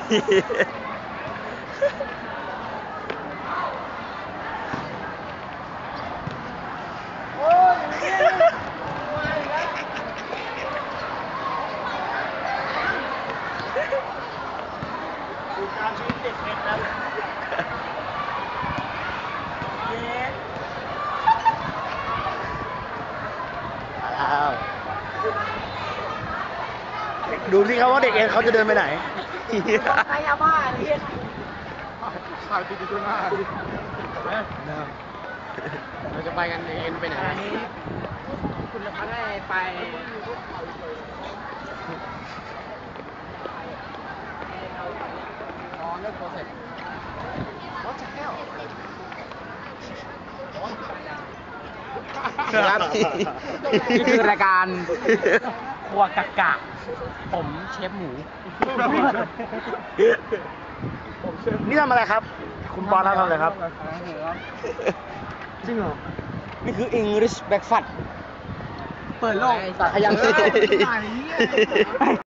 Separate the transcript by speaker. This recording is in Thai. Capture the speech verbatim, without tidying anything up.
Speaker 1: ดูการชีวิตเด็กเอ็นครับอ้าวดูสิครับว่าเด็กเอ็นเขาจะเดินไปไหนใครยาบ้าเนี่ยขายติดอยู่หน้าเราจะไปกันเอ็นไปไหนคุณจะพัดให้ไปอ๋อเลิกโปรเซสWhat the hell ครับนี่คือรายการครัวกะกะผมเชฟหมูนี่ทำอะไรครับคุณปอนทำอะไรครับจริงเหรอนี่คือ English breakfast เปิดโลกขยัน